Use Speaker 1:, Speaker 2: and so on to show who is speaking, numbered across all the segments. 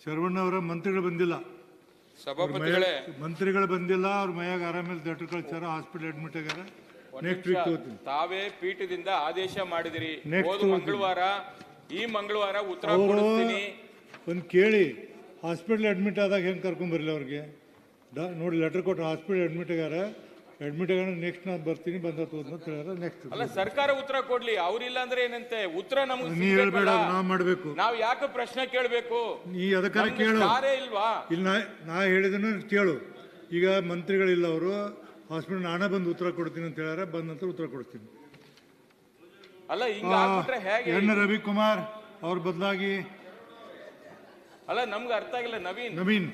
Speaker 1: ಶರವಣ್ಣವರ ಮಂತ್ರಿಗಳು ಬಂದಿಲ್ಲ,
Speaker 2: ಸಭಾಪತಿಗಳೇ,
Speaker 1: ಮಂತ್ರಿಗಳು ಬಂದಿಲ್ಲ. ಅವ್ರ ಮೈಯಾಗ ಆರಾಮಿಲ್ಲ, ಡಾಕ್ಟರ್ ಕಳ್ಸಾರ, ಹಾಸ್ಪಿಟಲ್ ಅಡ್ಮಿಟ್ ಆಗ್ಯಾರ. ನೆಕ್ಸ್ಟ್ ವೀಕ್ ತಗೋತೀನಿ.
Speaker 2: ತಾವೇ ಪೀಠದಿಂದ ಆದೇಶ ಮಾಡಿದಿರಿ,
Speaker 1: Next
Speaker 2: ಮಂಗಳವಾರ ಈ ಮಂಗಳವಾರ ಉತ್ತರ ಕೊಡಿಸ್ತೀನಿ.
Speaker 1: ಒಂದು ಕೇಳಿ, ಹಾಸ್ಪಿಟ್ಲ್ ಅಡ್ಮಿಟ್ ಆದಾಗ ಹೆಂಗೆ ಕರ್ಕೊಂಬರಲಿ ಅವ್ರಿಗೆ? ನೋಡಿ ಲೆಟರ್ ಕೊಟ್ಟು ಹಾಸ್ಪಿಟಲ್ ಅಡ್ಮಿಟ್ ಆಗ್ಯಾರ, ನೆಕ್ಸ್ಟ್ ನಾನು ಬರ್ತೀನಿ, ಬಂದ ಅಂತ ಹೇಳ್ಯಾರ. ನೆಕ್ಸ್ಟ್
Speaker 2: ಅಲ್ಲ, ಸರ್ಕಾರ ಉತ್ತರ ಕೊಡ್ಲಿ, ಅವ್ರಿಲ್ಲ ಅಂದ್ರೆ ಏನಂತೆ? ಉತ್ತರ ನಮಗೆ
Speaker 1: ನೀ ಹೇಳ್ಬೇಡ, ನಾವು ಮಾಡಬೇಕು.
Speaker 2: ನಾವ್ ಯಾಕೆ ಪ್ರಶ್ನೆ ಕೇಳಬೇಕು?
Speaker 1: ನೀ ಅದಕ್ಕಾರ ಕೇಳು.
Speaker 2: ಇಲ್ವಾ?
Speaker 1: ಇಲ್ಲ, ನಾ ಹೇಳಿದನ್ನು ಕೇಳು. ಈಗ ಮಂತ್ರಿಗಳಿಲ್ಲ, ಅವರು ಹಾಸ್ಪಿಟಲ್ ನಾನೇ ಬಂದು ಉತ್ತರ ಕೊಡ್ತೀನಿ ಅಂತ ಹೇಳ್ಯಾರ. ಬಂದ ನಂತರ ಉತ್ತರ ಕೊಡ್ತೀನಿ.
Speaker 2: ಅಲ್ಲ, ಹಿಂಗ ಆಗ್ಬಿಟ್ರೆ ಹೇಗೆ?
Speaker 1: ಎನ್ ರವಿಕುಮಾರ್ ಅವ್ರ ಬದಲಾಗಿ
Speaker 2: ಅಲ್ಲ, ನಮ್ಗೆ ಅರ್ಥ ಆಗಿಲ್ಲ.
Speaker 1: ನವೀನ್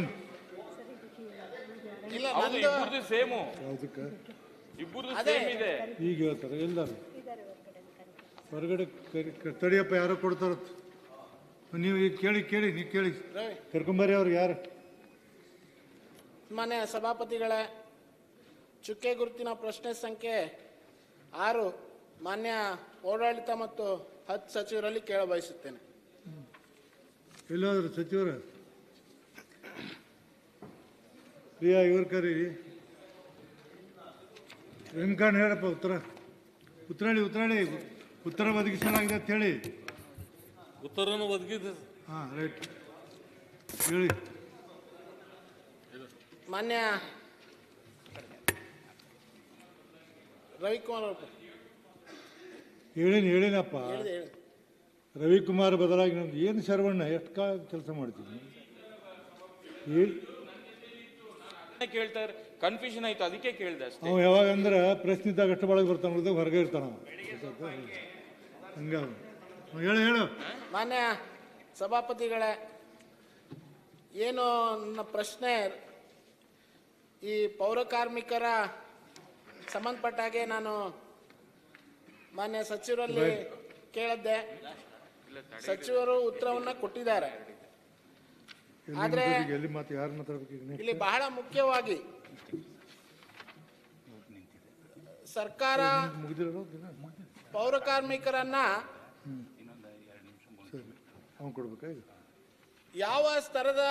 Speaker 2: ಹೌದು, ಇಬ್ಬರದು ಸೇಮು,
Speaker 1: ಯಾವುದಕ್ಕೆ
Speaker 2: ಇಬ್ಬರದು ಸೇಮ್ ಇದೆ.
Speaker 1: ಈಗ ಹೇಳ್ತಾರೆ ಎಲ್ಲರೂ ಹೊರಗಡೆ ತಡಿಯಪ್ಪ, ಯಾರೋ ಕೊಡ್ತಾರ. ನೀವು ಈಗ ಕೇಳಿ ನೀವು ಕೇಳಿ, ಕರ್ಕೊಂಬರ್ರಿ ಅವ್ರು ಯಾರು.
Speaker 3: ಮಾನ್ಯ ಸಭಾಪತಿಗಳೇ, ಚುಕ್ಕೆ ಗುರುತಿನ ಪ್ರಶ್ನೆ ಸಂಖ್ಯೆ 6 ಮಾನ್ಯ ಓಡಾಡಳಿತ ಮತ್ತು ಹಜ್ ಸಚಿವರಲ್ಲಿ ಕೇಳಬಯಸುತ್ತೇನೆ.
Speaker 1: ಎಲ್ಲಾದ್ರು ಸಚಿವರ ಪ್ರಿಯಾ ಇವ್ರ ಕರೀರಿ. ವೆಂಕಣ್ಣ ಹೇಳಪ್ಪ ಉತ್ತರಾಳಿ ಉತ್ತರ ಒದಗಿಸಲಾಗಿದೆ ಅಂತ ಹೇಳಿ.
Speaker 4: ಉತ್ತರವನ್ನು ಒದಗಿದೆ.
Speaker 1: ಹಾಂ, ರೈಟ್, ಹೇಳಿ.
Speaker 3: ಮಾನ್ಯ ರವಿಕುಮಾರ್ ಅವರು
Speaker 1: ಹೇಳಿನಪ್ಪ. ರವಿಕುಮಾರ್ ಬದಲಾಗಿ ನಮ್ದು ಏನು ಶರವಣ್ಣ ಎಷ್ಟು ಕೆಲಸ ಮಾಡ್ತೀನಿ ಹೇಳಿ.
Speaker 2: ಕೇಳ್ತಾರೆ, ಕನ್ಫ್ಯೂಷನ್ ಆಯ್ತು, ಅದಕ್ಕೆ ಕೇಳ್ದೆ ಅಷ್ಟೇ.
Speaker 1: ಅವ ಯಾವಾಗ ಅಂದ್ರೆ ಪ್ರಶ್ನೆ ಇದ್ದಾಗ ಅಷ್ಟು ಒಳಗೆ ಬರ್ತಾನ, ಹೊರಗೆ ಇರ್ತಾನ. ಹಂಗ ಹೇಳು.
Speaker 3: ಮಾನ್ಯ ಸಭಾಪತಿಗಳೇ, ಏನು ನನ್ನ ಪ್ರಶ್ನೆ, ಈ ಪೌರ ಕಾರ್ಮಿಕರ ಸಂಬಂಧಪಟ್ಟ ಹಾಗೆ ನಾನು ಮಾನ್ಯ ಸಚಿವರಲ್ಲಿ ಕೇಳಿದ್ದೆ. ಸಚಿವರು ಉತ್ತರವನ್ನ ಕೊಟ್ಟಿದ್ದಾರೆ. ಆದ್ರೆ ಇಲ್ಲಿ ಬಹಳ ಮುಖ್ಯವಾಗಿ ಸರ್ಕಾರ ಪೌರ ಕಾರ್ಮಿಕರನ್ನ ಯಾವ ಸ್ತರದ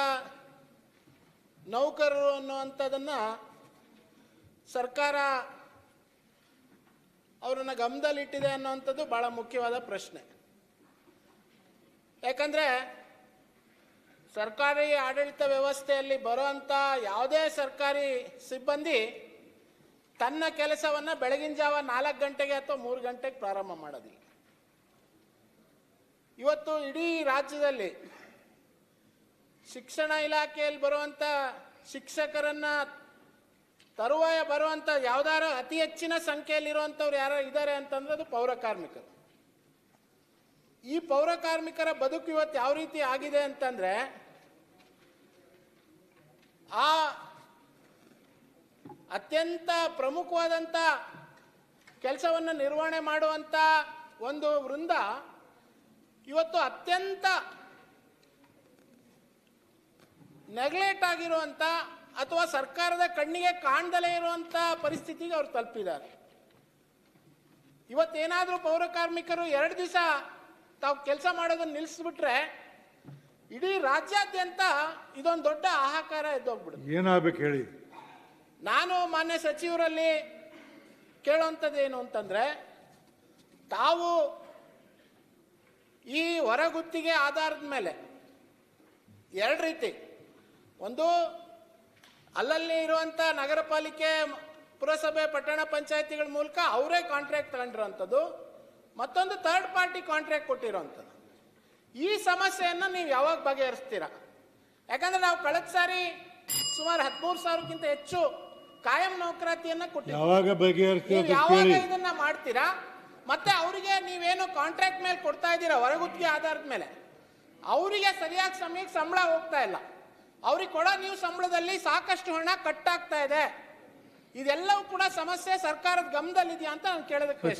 Speaker 3: ನೌಕರರು ಅನ್ನುವಂಥದ್ದನ್ನ ಸರ್ಕಾರ ಅವರನ್ನ ಗಮನದಲ್ಲಿಟ್ಟಿದೆ ಅನ್ನುವಂಥದ್ದು ಬಹಳ ಮುಖ್ಯವಾದ ಪ್ರಶ್ನೆ. ಯಾಕಂದ್ರೆ ಸರ್ಕಾರಿ ಆಡಳಿತ ವ್ಯವಸ್ಥೆಯಲ್ಲಿ ಬರುವಂಥ ಯಾವುದೇ ಸರ್ಕಾರಿ ಸಿಬ್ಬಂದಿ ತನ್ನ ಕೆಲಸವನ್ನು ಬೆಳಗಿನ ಜಾವ 4 ಗಂಟೆಗೆ ಅಥವಾ 3 ಗಂಟೆಗೆ ಪ್ರಾರಂಭ ಮಾಡೋದಿಲ್ಲ. ಇವತ್ತು ಇಡೀ ರಾಜ್ಯದಲ್ಲಿ ಶಿಕ್ಷಣ ಇಲಾಖೆಯಲ್ಲಿ ಬರುವಂಥ ಶಿಕ್ಷಕರನ್ನ ತರುವಾಯ ಬರುವಂಥ ಯಾವ್ದಾರು ಅತಿ ಹೆಚ್ಚಿನ ಸಂಖ್ಯೆಯಲ್ಲಿರುವಂಥವ್ರು ಯಾರು ಇದ್ದಾರೆ ಅಂತಂದ್ರೆ ಅದು ಪೌರ ಕಾರ್ಮಿಕರು. ಈ ಪೌರ ಕಾರ್ಮಿಕರ ಬದುಕು ಇವತ್ತು ಯಾವ ರೀತಿ ಆಗಿದೆ ಅಂತಂದ್ರೆ, ಆ ಅತ್ಯಂತ ಪ್ರಮುಖವಾದಂಥ ಕೆಲಸವನ್ನು ನಿರ್ವಹಣೆ ಮಾಡುವಂಥ ಒಂದು ವೃಂದ ಇವತ್ತು ಅತ್ಯಂತ ನೆಗ್ಲೆಕ್ಟ್ ಆಗಿರುವಂಥ ಅಥವಾ ಸರ್ಕಾರದ ಕಣ್ಣಿಗೆ ಕಾಣ್ದಲೇ ಇರುವಂಥ ಪರಿಸ್ಥಿತಿಗೆ ಅವ್ರು ತಲುಪಿದ್ದಾರೆ. ಇವತ್ತೇನಾದರೂ ಪೌರ ಕಾರ್ಮಿಕರು 2 ದಿವಸ ತಾವು ಕೆಲಸ ಮಾಡೋದನ್ನು ನಿಲ್ಲಿಸ್ಬಿಟ್ರೆ ಇಡೀ ರಾಜ್ಯಾದ್ಯಂತ ಇದೊಂದು ದೊಡ್ಡ ಹಾಹಾಕಾರ ಎದ್ದೋಗ್ಬಿಡುತ್ತೆ.
Speaker 1: ಏನಾಗಬೇಕು ಹೇಳಿ.
Speaker 3: ನಾನು ಮಾನ್ಯ ಸಚಿವರಲ್ಲಿ ಕೇಳುವಂಥದ್ದು ಏನು ಅಂತಂದ್ರೆ, ತಾವು ಈ ಹೊರಗುತ್ತಿಗೆ ಆಧಾರದ ಮೇಲೆ 2 ರೀತಿ, ಒಂದು ಅಲ್ಲಲ್ಲಿ ಇರುವಂಥ ನಗರ ಪಾಲಿಕೆ, ಪುರಸಭೆ, ಪಟ್ಟಣ ಪಂಚಾಯತಿಗಳ ಮೂಲಕ ಅವರೇ ಕಾಂಟ್ರಾಕ್ಟ್ ತಗೊಂಡಿರೋಂಥದ್ದು, ಮತ್ತೊಂದು ಥರ್ಡ್ ಪಾರ್ಟಿ ಕಾಂಟ್ರಾಕ್ಟ್ ಕೊಟ್ಟಿರೋಂಥದ್ದು. ಈ ಸಮಸ್ಯೆಯನ್ನು ನೀವು ಯಾವಾಗ ಬಗೆಹರಿಸ್ತೀರಾ? ಯಾಕಂದ್ರೆ ನಾವು ಕಳೆದ ಸಾರಿ ಸುಮಾರು 13,000ಕ್ಕಿಂತ ಹೆಚ್ಚು ಕಾಯಂ ನೌಕರಾತಿಯನ್ನ ಕೊಟ್ಟಿದ್ದೀವಿ. ಯಾವಾಗ ಇದನ್ನ ಮಾಡ್ತೀರಾ? ಮತ್ತೆ ಅವರಿಗೆ ನೀವೇನು ಕಾಂಟ್ರಾಕ್ಟ್ ಮೇಲೆ ಕೊಡ್ತಾ ಇದ್ದೀರಾ ಹೊರಗುತ್ತಿಗೆ ಆಧಾರದ ಮೇಲೆ, ಅವರಿಗೆ ಸರಿಯಾದ ಸಮಯಕ್ಕೆ ಸಂಬಳ ಹೋಗ್ತಾ ಇಲ್ಲ. ಅವ್ರಿಗೆ ಕೊಡೋ ನೀವು ಸಂಬಳದಲ್ಲಿ ಸಾಕಷ್ಟು ಹಣ ಕಟ್ಟಾಗ್ತಾ ಇದೆ. ಇದೆಲ್ಲವೂ ಕೂಡ ಸಮಸ್ಯೆ ಸರ್ಕಾರದ ಗಮನದಲ್ಲಿದೆಯಾ ಅಂತ ನಾನು ಕೇಳೋದಕ್ಕೆ.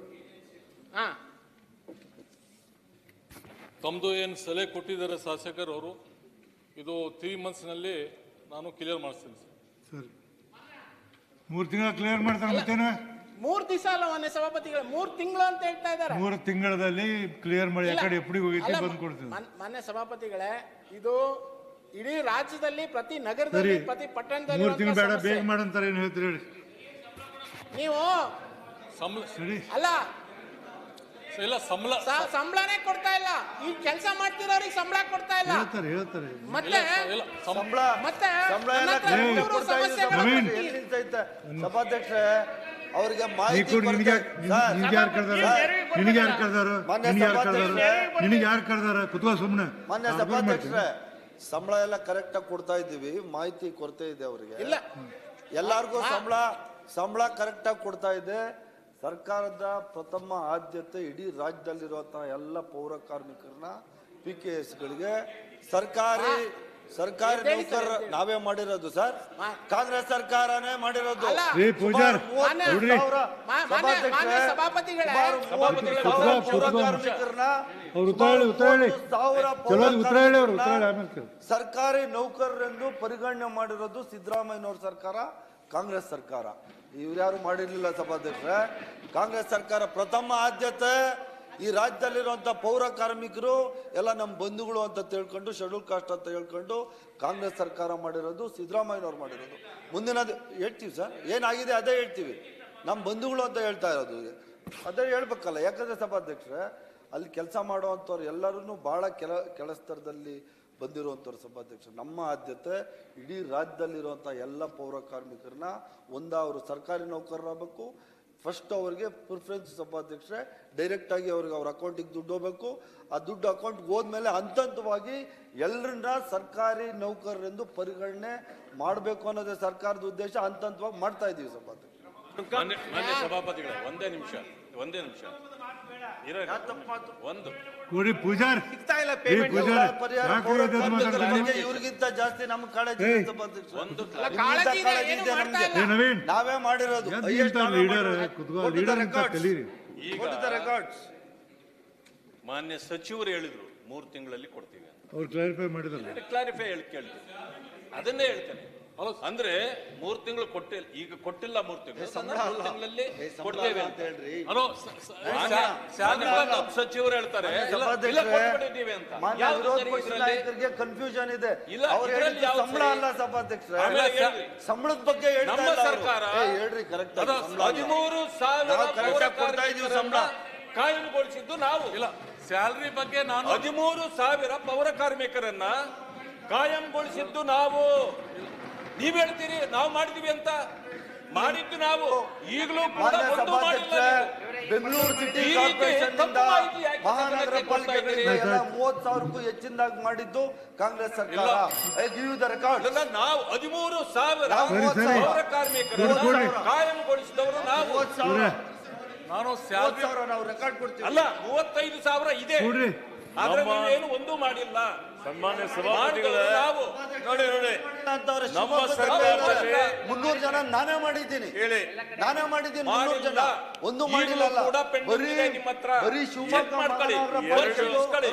Speaker 4: ತಮ್ಮದು ಏನು ಸಲಹೆ ಕೊಟ್ಟಿದ್ದಾರೆ ಶಾಸಕರು ಅವರು, ಇದು 3 ಮಂತ್ಸ್ನಲ್ಲಿ ನಾನು ಕ್ಲಿಯರ್ ಮಾಡಿಸ್ತೀನಿ
Speaker 1: ಸರ್. 3 ತಿಂಗಳು ಕ್ಲಿಯರ್ ಮಾಡ್ತಾರೆ. ಮತ್ತೇನ
Speaker 3: 3 ದಿವಸ ಅಲ್ಲ ಮಾನ್ಯ ಸಭಾಪತಿಗಳ 3 ತಿಂಗಳು ಅಂತ ಹೇಳ್ತಾ ಇದ್ದಾರೆ.
Speaker 1: 3 ತಿಂಗಳಲ್ಲಿ ಕ್ಲಿಯರ್ ಮಾಡಿ ಆ ಕಡೆ ಎಪ್ಪಡಿ ಹೋಗೈತಿ
Speaker 3: ಅಲ್ಲ,
Speaker 1: ಬಂದು ಕೊಡ್ತೀವಿ.
Speaker 3: ಮಾನ್ಯ ಸಭಾಪತಿಗಳೇ, ಇದು ಇಡೀ ರಾಜ್ಯದಲ್ಲಿ ಪ್ರತಿ ನಗರದಲ್ಲಿ ಪ್ರತಿ ಪಟ್ಟಣದಲ್ಲಿ
Speaker 1: 3 ತಿಂಗಳು ಬೇಡ, ಬೇಗ ಮಾಡಂತಾರೆ. ಏನು ಹೇಳ್ತೀರಿ ಹೇಳಿ?
Speaker 3: ನೀವು
Speaker 1: ಸರಿ,
Speaker 3: ಅಲ್ಲ
Speaker 4: ಇಲ್ಲ ಸಂಬಳ
Speaker 3: ಸಂಬಳನೇ ಕೊಡ್ತಾ ಇಲ್ಲ. ಈ ಕೆಲಸ ಮಾಡ್ತಿರೋರಿಗೆ ಸಂಬಳ ಕೊಡ್ತಾ ಇಲ್ಲ.
Speaker 1: ಹೇಳ್ತಾರೆ
Speaker 3: ಮತ್ತೆ
Speaker 4: ಇಲ್ಲ
Speaker 5: ಸಂಬಳ
Speaker 3: ಮತ್ತೆ
Speaker 5: ಸಂಬಳ ಎಲ್ಲ
Speaker 3: ನನ್ನ ಹತ್ರ
Speaker 5: ಕರೆಕ್ಟ್
Speaker 3: ಮೂರು
Speaker 5: ಕೊಡ್ತಾ ಇದ್ದೀವಿ
Speaker 3: ಸಮಸ್ಯೆಗಳು
Speaker 1: ನವೀನ್.
Speaker 5: ಎಲ್ಲಿ ನಿಂತೈತೆ? ಸಭಾಧ್ಯಕ್ಷರೇ, ಅವ್ರಿಗೆ
Speaker 1: ನೀ
Speaker 5: ಮಾಹಿತಿ
Speaker 1: ಕೊಡಿ. ನಿನಗೆ
Speaker 5: ಕೊಡ್ತಾ-
Speaker 1: ಯಾರು ಕರೆದಾರ? ನಿನಗೆ ಯಾರು ಕರೆದಾರ?
Speaker 5: ಮಾನ್ಯ
Speaker 1: ನಿನಗೆ ಯಾರು ಕರೆದಾರ?
Speaker 5: ಸಭಾಧ್ಯಕ್ಷರೇ,
Speaker 1: ನಿನಗೆ ಯಾರು ಕರೆದಾರ? ಕುತ್ಕೋ ಸುಮ್ಮನೆ.
Speaker 5: ಮಾನ್ಯ ಸಭಾಧ್ಯಕ್ಷರೇ, ಸಂಬಳ ಎಲ್ಲ ಕರೆಕ್ಟ್ ಆಗಿ ಕೊಡ್ತಾ ಇದ್ದೀವಿ. ಮಾಹಿತಿ ಕೊರತೆ ಇದೆ ಅವರಿಗೆ.
Speaker 3: ಇಲ್ಲ.
Speaker 5: ಎಲ್ಲಾರ್ಗೂ ಸಂಬಳ ಕರೆಕ್ಟ್ ಆಗಿ ಕೊಡ್ತಾ ಇದೆ. ಸರ್ಕಾರದ ಪ್ರಥಮ ಆದ್ಯತೆ ಇಡೀ ರಾಜ್ಯದಲ್ಲಿರುವಂತಹ ಎಲ್ಲ ಪೌರ ಕಾರ್ಮಿಕರನ್ನ PKSಗಳಿಗೆ ಸರ್ಕಾರಿ ನೌಕರ ನಾವೇ ಮಾಡಿರೋದು ಸರ್. ಕಾಂಗ್ರೆಸ್ ಸರ್ಕಾರನೇ ಮಾಡಿರೋದು.
Speaker 1: ಏ ಪೂಜಾರ್,
Speaker 3: ಮಾನ್ಯ
Speaker 1: ನೋಡ್ರಿ.
Speaker 3: ಮಾನ್ಯ ಸಭಾಪತಿಗಳೇ,
Speaker 5: ಪೌರ ಕಾರ್ಮಿಕರನ್ನ
Speaker 1: ಅವ್ರು ಉತ್ತರ ಹೇಳಿ. ಚಲೋ ಉತ್ತರ ಹೇಳಿ. ಅವ್ರು ಉತ್ತರ ಹೇಳಿ, ಆಮೇಲೆ ಕೇಳಿ.
Speaker 5: ಸರ್ಕಾರಿ ನೌಕರರೆಂದು ಪರಿಗಣನೆ ಮಾಡಿರೋದು ಸಿದ್ದರಾಮಯ್ಯನವ್ರ ಸರ್ಕಾರ, ಕಾಂಗ್ರೆಸ್ ಸರ್ಕಾರ. ಇವ್ರ್ಯಾರು ಮಾಡಿರ್ಲಿಲ್ಲ ಸಭಾಧ್ಯಕ್ಷರೇ. ಕಾಂಗ್ರೆಸ್ ಸರ್ಕಾರ ಪ್ರಥಮ ಆದ್ಯತೆ ಈ ರಾಜ್ಯದಲ್ಲಿರುವಂಥ ಪೌರ ಕಾರ್ಮಿಕರು ಎಲ್ಲ ನಮ್ಮ ಬಂಧುಗಳು ಅಂತ ತಿಳ್ಕೊಂಡು, ಶೆಡ್ಯೂಲ್ ಕಾಸ್ಟ್ ಅಂತ ಹೇಳ್ಕೊಂಡು ಕಾಂಗ್ರೆಸ್ ಸರ್ಕಾರ ಮಾಡಿರೋದು, ಸಿದ್ದರಾಮಯ್ಯನವ್ರು ಮಾಡಿರೋದು. ಮುಂದಿನದು ಹೇಳ್ತೀವಿ ಸರ್, ಏನಾಗಿದೆ ಅದೇ ಹೇಳ್ತೀವಿ. ನಮ್ಮ ಬಂಧುಗಳು ಅಂತ ಹೇಳ್ತಾ ಇರೋದು ಅದೇ ಹೇಳ್ಬೇಕಲ್ಲ. ಯಾಕಂದ್ರೆ ಸಭಾಧ್ಯಕ್ಷರೇ, ಅಲ್ಲಿ ಕೆಲಸ ಮಾಡುವಂಥವ್ರು ಎಲ್ಲರೂ ಭಾಳ ಕೆಳಸ್ತರದಲ್ಲಿ ಬಂದಿರುವಂಥವ್ರು ಸಭಾಧ್ಯಕ್ಷರು. ನಮ್ಮ ಆದ್ಯತೆ ಇಡೀ ರಾಜ್ಯದಲ್ಲಿರುವಂಥ ಎಲ್ಲ ಪೌರ ಕಾರ್ಮಿಕರನ್ನ ಅವರು ಸರ್ಕಾರಿ ನೌಕರರಾಗಬೇಕು. ಫಸ್ಟ್ ಅವರಿಗೆ ಪ್ರಿಫರೆನ್ಸ್ ಸಭಾಧ್ಯಕ್ಷರೇ, ಡೈರೆಕ್ಟಾಗಿ ಅವ್ರಿಗೆ ಅವ್ರ ಅಕೌಂಟಿಗೆ ದುಡ್ಡು ಹೋಗ್ಬೇಕು. ಆ ದುಡ್ಡು ಅಕೌಂಟ್ಗೆ ಹೋದ್ಮೇಲೆ ಹಂತವಾಗಿ ಎಲ್ಲರನ್ನ ಸರ್ಕಾರಿ ನೌಕರರೆಂದು ಪರಿಗಣನೆ ಮಾಡಬೇಕು ಅನ್ನೋದೇ ಸರ್ಕಾರದ ಉದ್ದೇಶ. ಹಂತವಾಗಿ ಮಾಡ್ತಾ ಇದ್ದೀವಿ ಸಭಾಧ್ಯಕ್ಷ.
Speaker 2: ಮಾನ್ಯ ಸಭಾಪತಿಗಳೇ, ಒಂದೇ ನಿಮಿಷ ಇರೋ ಒಂದು
Speaker 1: ಕೊಡಿ ಪೂಜಾರ್. ಏ ಪೂಜಾರ್, ಯಾಕೆ ಮಾತಾಡ್ತೀನಿ?
Speaker 5: ಇವ್ರಿಗಿಂತ ಜಾಸ್ತಿ ನಮ್ಮ ಕಾಳಜಿ ಇದೆ ಸಭಾಧ್ಯಕ್ಷ.
Speaker 3: ಕಾಳಜಿ ಇದೆ, ಏನು ಮಾಡ್ತಾ ಇಲ್ಲ.
Speaker 1: ಏ ನವೀನ್,
Speaker 5: ನಾವೇ ಮಾಡಿರೋದು.
Speaker 1: ಲೀಡರ್ ಲೀಡರ್ ಅಂತ ಕಲೀರಿ.
Speaker 2: ಈಗ
Speaker 5: ರೆಕಾರ್ಡ್ಸ್
Speaker 2: ಮಾನ್ಯ ಸಚಿವರು ಹೇಳಿದ್ರು 3 ತಿಂಗಳಲ್ಲಿ ಕೊಡ್ತೀವಿ ಅಂತ.
Speaker 1: ಅವ್ರು ಕ್ಲಾರಿಫೈ ಮಾಡಿದಲ್ಲ.
Speaker 2: ಕ್ಲಾರಿಫೈ ಕೇಳ್ತೀನಿ, ಅದನ್ನೇ ಹೇಳ್ತೇನೆ. ಅಂದ್ರೆ 3 ತಿಂಗಳು ಕೊಟ್ಟಿಲ್ಲ, ಈಗ ಕೊಟ್ಟಿಲ್ಲ. 3 ತಿಂಗಳು 3 ತಿಂಗಳಲ್ಲಿ ಕೊಡ್ತೇವೆ ಅಂತ
Speaker 5: ಹೇಳ್ರಿ.
Speaker 4: ಹಲೋ
Speaker 2: ಸಚಿವರು ಹೇಳ್ತಾರೆ ಇಲ್ಲ, ಕೊಟ್ಬಿಟ್ಟಿದ್ದೀವಿ ಅಂತ. ಯಾವ್ದು ಸರಿ ಇದ್ರಲ್ಲಿ?
Speaker 5: ಕನ್ಫ್ಯೂಷನ್ ಇದೆ.
Speaker 2: ಇಲ್ಲ,
Speaker 5: ಅವ್ರು
Speaker 2: ಇದ್ರಲ್ಲಿ
Speaker 5: ಹೇಳಿದ್ದು
Speaker 2: ಯಾವ್ದು
Speaker 5: ಸಂಬಳ
Speaker 2: ಸರಿ?
Speaker 5: ಅಲ್ಲ ಸಭಾಧ್ಯಕ್ಷರೇ,
Speaker 2: ಆಮೇಲೆ ಹೇಳ್ರಿ.
Speaker 5: ಸಂಬಳದ ಬಗ್ಗೆ ಹೇಳ್ತಾ
Speaker 2: ನಮ್ಮ
Speaker 5: ಇಲ್ಲ ಅವ್ರು.
Speaker 2: ಸರ್ಕಾರ
Speaker 5: ಹೇಳ್ರಿ ಕರೆಕ್ಟ್
Speaker 2: 13,000
Speaker 5: ನಾವು correct ಆಗಿ ಕೊಡ್ತಾ ಇದೀವಿ ಸಂಬಳ.
Speaker 2: ಕಾಯಂಗೊಳಿಸಿದ್ದು ನಾವು.
Speaker 4: ಇಲ್ಲ ಸ್ಯಾಲ್ರಿ ಬಗ್ಗೆ ನಾನು
Speaker 2: 13,000 ಪೌರ ಕಾರ್ಮಿಕರನ್ನ ಕಾಯಂಗೊಳಿಸಿದ್ದು ನಾವು. ನೀವ್ ಹೇಳ್ತೀರಿ ನಾವು ಮಾಡಿದೀವಿ ಅಂತ. ಮಾಡಿದ್ದು ನಾವು. ಈಗಲೂ ಕೂಡ ಒಂದು ಮಾಡಿಲ್ಲ ನೀವು.
Speaker 5: ಬೆಂಗಳೂರು ಸಿಟಿ
Speaker 2: ಈ ರೀತಿ
Speaker 5: ಕಾರ್ಪೊರೇಷನ್
Speaker 2: ತಪ್ಪು ಮಾಹಿತಿ ಯಾಕೆ
Speaker 5: ಮಹಾನಗರ
Speaker 2: ಜನಕ್ಕೆ ಕೊಡ್ತಾ ಇದ್ದೀರಿ?
Speaker 5: ಪಾಲಿಕೆಗಳಿಂದ 30,000ಕ್ಕೂ ಹೆಚ್ಚಿನದಾಗಿ ಮಾಡಿದ್ದು ಕಾಂಗ್ರೆಸ್ ಸರ್ಕಾರ. I give you the record.
Speaker 2: ಇದನ್ನ ನಾವು 13,000
Speaker 1: ಸರಿ.
Speaker 2: ಪೌರ ಕಾರ್ಮಿಕರನ್ನ
Speaker 1: ಕೊಡಿ.
Speaker 2: ಕಾಯಂಗೊಳಿಸಿದವರು ನಾವು.
Speaker 5: 30,000
Speaker 4: ನಾನು ಸ್ಯಾಲ್ರಿ
Speaker 5: ನಾವು ರೆಕಾರ್ಡ್ ಕೊಡ್ತೀವಿ.
Speaker 2: ಅಲ್ಲ, 35,000 ಇದೆ.
Speaker 1: ನೋಡ್ರಿ,
Speaker 2: ಆದ್ರೆ ನೀವೇನು ಒಂದೂ ಮಾಡಿಲ್ಲ.
Speaker 6: ಸನ್ಮಾನ್ಯ ಸಭಾಪತಿಗಳೇ,
Speaker 2: ನಾವು
Speaker 6: ನೋಡಿ
Speaker 5: ಅಂತವ್ರೆ
Speaker 6: ನಮ್ಮ
Speaker 5: ಶಿವಮೊಗ್ಗದಲ್ಲಿ
Speaker 6: ಸರ್ಕಾರದಲ್ಲಿ
Speaker 5: 300 ಜನ ನಾನೇ ಮಾಡಿದ್ದೀನಿ.
Speaker 6: ಹೇಳಿ,
Speaker 5: ನಾನೇ ಮಾಡಿದ್ದೀನಿ 300 ಜನ. ಒಂದು ಮಾಡಿಲ್ಲ.
Speaker 2: ಈಗಲೂ ಕೂಡ pending ಇದೆ ನಿಮ್ಮ ಹತ್ರ.
Speaker 5: ಬರೀ ಶಿವಮೊಗ್ಗ
Speaker 2: Check ಮಾಡ್ಕೊಳ್ಳಿ.
Speaker 5: ಮಹಾನಗರ
Speaker 2: ಪರಿಶೀಲಿಸ್ಕೊಳ್ಳಿ.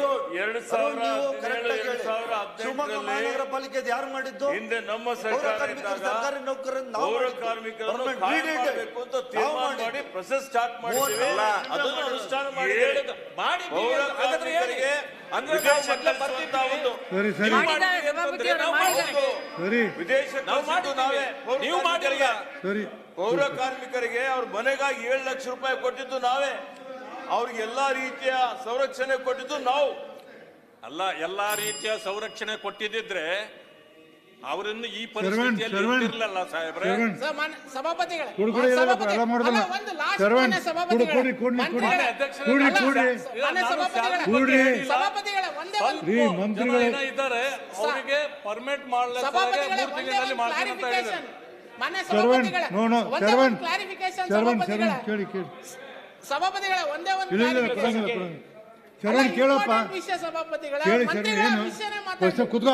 Speaker 5: 2017 ಶಿವಮೊಗ್ಗ ಮಹಾನಗರ ಪಾಲಿಕೆ ಯಾರು ಮಾಡಿದ್ದು?
Speaker 6: ಹಿಂದೆ ನಮ್ಮ
Speaker 5: ಪೌರ
Speaker 6: ಸರ್ಕಾರ
Speaker 5: ಕಾರ್ಮಿಕರು,
Speaker 6: ಇದ್ದಾಗ
Speaker 5: ಸರ್ಕಾರಿ ನೌಕರರನ್ನು ನಾವು
Speaker 6: ಪೌರ
Speaker 5: ಮಾಡಿದ್ದು.
Speaker 6: ಕಾರ್ಮಿಕರನ್ನು
Speaker 5: Permanent
Speaker 6: ಕಾಯಂ
Speaker 5: lead it.
Speaker 6: ಮಾಡಬೇಕು ಅಂತ ತೀರ್ಮಾನ ಮಾಡಿ ಪ್ರೊಸೆಸ್ ಸ್ಟಾರ್ಟ್ ಮಾಡಿದ್ದೀವಿ.
Speaker 2: ಅಲ್ಲ, ಅದನ್ನು ಅನುಷ್ಠಾನ ಮಾಡಿ ಹೇಳಿದ್ದು. ಮಾಡಿದ್ದೀವಿ
Speaker 6: ಪೌರ
Speaker 2: ಅಂತ ಹಾಗಾದ್ರೆ ಹೇಳಿ.
Speaker 6: ಕಾರ್ಮಿಕರಿಗೆ
Speaker 2: ಅಂದ್ರೆ ನಾವು ಮೊದಲೇ ಬರ್ತಿದ್ವಿ.
Speaker 1: ಸರಿ ಸರಿ
Speaker 2: ನೀವು ಮಾಡಿದ್ದೀವಿ ಅಂತಂದ್ರೆ ನಾವು ಮಾಡಿದ್ದೀವಿ.
Speaker 1: ಸರಿ
Speaker 6: ವಿದೇಶಕ್ಕೆ
Speaker 2: ನಾವು
Speaker 6: ಕಳಿಸಿದ್ದು ನಾವೇ.
Speaker 2: ಮಾಡಿದ್ದೀವಿ. ನೀವು ಮಾಡಿಲ್ಲ.
Speaker 1: ಸರಿ.
Speaker 6: ಪೌರ ಕಾರ್ಮಿಕರಿಗೆ ಅವ್ರ ಮನೆಗಾಗಿ 7 ಲಕ್ಷ ರೂಪಾಯಿ ಕೊಟ್ಟಿದ್ದು ನಾವೇ. ಅವ್ರಿಗೆ ಎಲ್ಲಾ ರೀತಿಯ ಸಂರಕ್ಷಣೆ ಕೊಟ್ಟಿದ್ದು ನಾವು.
Speaker 2: ಅಲ್ಲ, ಎಲ್ಲಾ ರೀತಿಯ ಸಂರಕ್ಷಣೆ ಕೊಟ್ಟಿದ್ದಿದ್ರೆ ಅವರನ್ನು ಈ
Speaker 1: ಶರವಣ್,
Speaker 2: ಪರಿಸ್ಥಿತಿಯಲ್ಲಿ
Speaker 1: ಶರವಣ್,
Speaker 2: ಇರ್ತಿರ್ಲಿಲ್ಲ ಸಾಹೇಬ್ರೆ.
Speaker 1: ಶರವಣ್.
Speaker 3: ಸಭಾಪತಿಗಳೇ,
Speaker 1: ಕೊಡು ಕೊಡಿ, ಎಲ್ಲ ಮಾಡಿದ್ರಲ್ಲ.
Speaker 3: ಒಂದು last
Speaker 1: ಶರವಣ್,
Speaker 3: ಮಾನ್ಯ ಸಭಾಪತಿಗಳೇ,
Speaker 1: ಕೊಡಿ, ಕೊಡಿ,
Speaker 3: ಮಂತ್ರಿಗಳೇ,
Speaker 1: ಕೊಡಿ,
Speaker 3: ಅಲ್ಲ,
Speaker 1: ಕೊಡಿ.
Speaker 3: ಮಾನ್ಯ ಸಭಾಪತಿಗಳೇ,
Speaker 1: ಕೊಡ್ರಿ.
Speaker 3: ಸಭಾಪತಿಗಳೇ, ಒಂದೇ ಒಂದು
Speaker 1: ರೀ
Speaker 4: ಜನ
Speaker 1: ಮಂತ್ರಿಗಳು
Speaker 4: ಏನೋ ಇದ್ದಾರೆ, ಅವರಿಗೆ ಪರ್ಮಿಟ್ ಮಾಡಲಿಕ್ಕೆ
Speaker 3: ಸಭಾಪತಿಗಳೇ,
Speaker 4: 3
Speaker 3: ಒಂದೇ
Speaker 4: ತಿಂಗಳಲ್ಲಿ
Speaker 3: ಒಂದು
Speaker 4: ಮಾಡ್ತೀನಿ ಅಂತ ಹೇಳಿದ್ದಾರೆ.
Speaker 3: clarification. ಮಾನ್ಯ
Speaker 1: ಶರವಣ್,
Speaker 3: ಸಭಾಪತಿಗಳೇ,
Speaker 1: ನೋ ನೋ,
Speaker 3: ಒಂದೇ
Speaker 1: ಶರವಣ್,
Speaker 3: ಒಂದು clarification
Speaker 1: ಶರವಣ್,
Speaker 3: ಸಭಾಪತಿಗಳೇ.
Speaker 1: ಶರವಣ್, ಕೇಳಿ ಕೇಳಿ.
Speaker 3: ಸಭಾಪತಿಗಳೇ, ಒಂದೇ ಒಂದು
Speaker 1: ಇಲ್ಲ ಇಲ್ಲ,
Speaker 3: clarification.
Speaker 1: ಕೊಡಂಗಿಲ್ಲ, ಕೊಡಂಗಿಲ್ಲ. ಶರವಣ್ ಕೇಳಪ್ಪ,
Speaker 3: Important ವಿಷಯ ಸಭಾಪತಿಗಳೇ,
Speaker 1: ಕೇಳಿ ಶರವಣ್.
Speaker 3: ಮಂತ್ರಿಗಳ
Speaker 1: ಏನು
Speaker 3: ವಿಷಯನೇ
Speaker 1: ಫಸ್ಟ್
Speaker 3: ಮಾತಾಡಿ.
Speaker 1: ಕೂತ್ಕೋ.